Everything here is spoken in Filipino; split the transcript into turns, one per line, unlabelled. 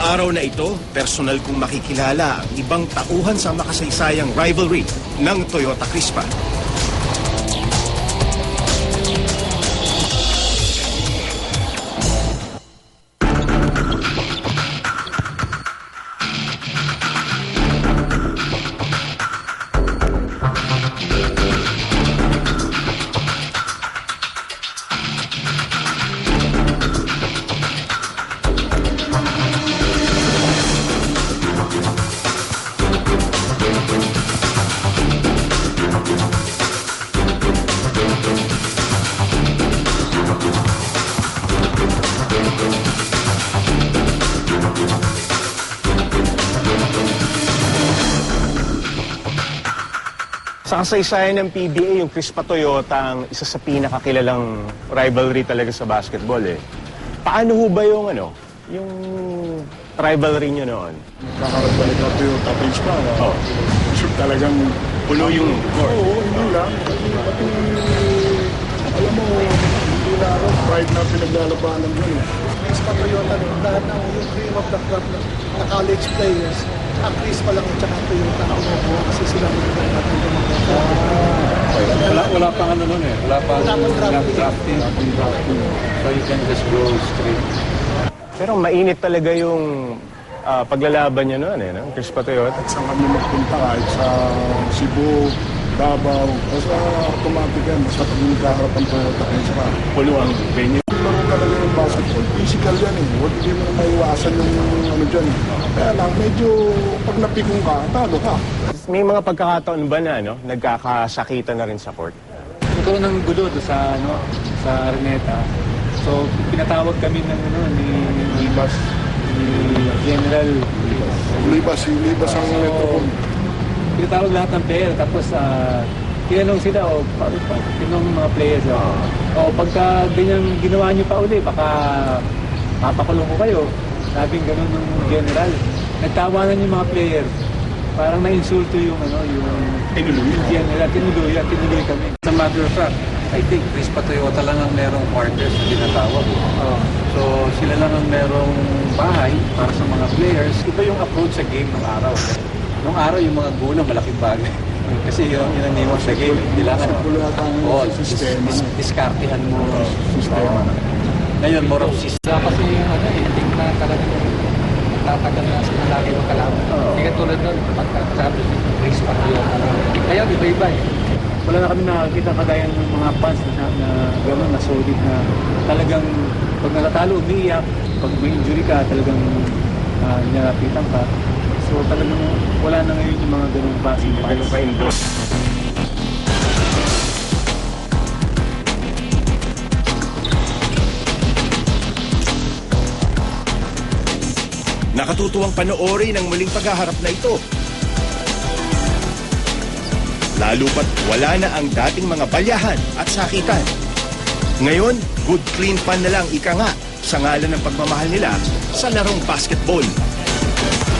araw na ito, personal kong makikilala ang ibang tauhan sa makasaysayang rivalry ng Toyota Crispa. Sa kasaysayan ng PBA, yung Crispa Toyota ang isa sa pinakakilalang rivalry talaga sa basketball eh. Paano ho ba yung yung rivalry nyo noon?
Nakakarabalik na Toyota Crispa.
Oh.
Talagang
Puno yung court.
Oo, hindi lang. Pati, alam mo, hindi na pride na pinaglalabanan mo eh.
Crispa Toyota, lahat ng yung cream of the crop na college players, ang Crispa lang at saka Toyota kasi sila
Wala pang ano nun eh. Wala pang drafting. So you can just go straight.
Pero mainit talaga yung paglalaban nyo noon eh, no? Crispa Toyota.
Saan kami magpunta kahit sa Cebu, Davao, basta automatic yan, basta pag nagkaharap ang Toyota Crispa.
Puno ang venue.
Laro talaga yung basketball, physical yan eh. Hindi mo na maiwasan yung ano dyan. Kaya lang, medyo pag napikong ka, talo ka.
May mga pagkakataon ba na nagkakasakitan na rin sa court?
Nagkaroon ng gulo doon sa Araneta. So pinatawag kami ng ni General
Libas ang metropol.
Pinatawag lahat ng player tapos tinanong sila tinanong mga players pagka ganyan ginawa niyo pa uli baka papakulong ko kayo. Sabing gano'n ng general. Nagtawanan yung mga player. Parang na-insulto yung tinuloy kami.
As a matter of fact, I think Crispa Toyota lang ang merong quarters na tinatawag. So sila lang ang merong bahay para sa mga players. Iba yung approach sa game ng araw. Nung araw yung mga gulo malaking bagay. Kasi yun ang niwan sa game. Kailangan diskartihan mo.
Sistema.
Ngayon, more of system.
Kasi hindi na talagang tatagal na sa lagi mo kalaman. Hindi ka tulad nun, pagkasabi ng Crispa Toyota. Kaya iba-iba eh.
Wala na kami nakakita kagaya ng mga fans na gano'n, na solid na talagang pag natatalo, umiiyak. Pag may injury ka, talagang nilapitan ka. So talagang wala na ngayon yung mga gano'ng passing fans.
Nakatutuwang panoorin ang muling paghaharap na ito. Lalo pat wala na ang dating mga balyahan at sakitan. Ngayon, good clean pan na lang ika nga sa ngalan ng pagmamahal nila sa larong basketball.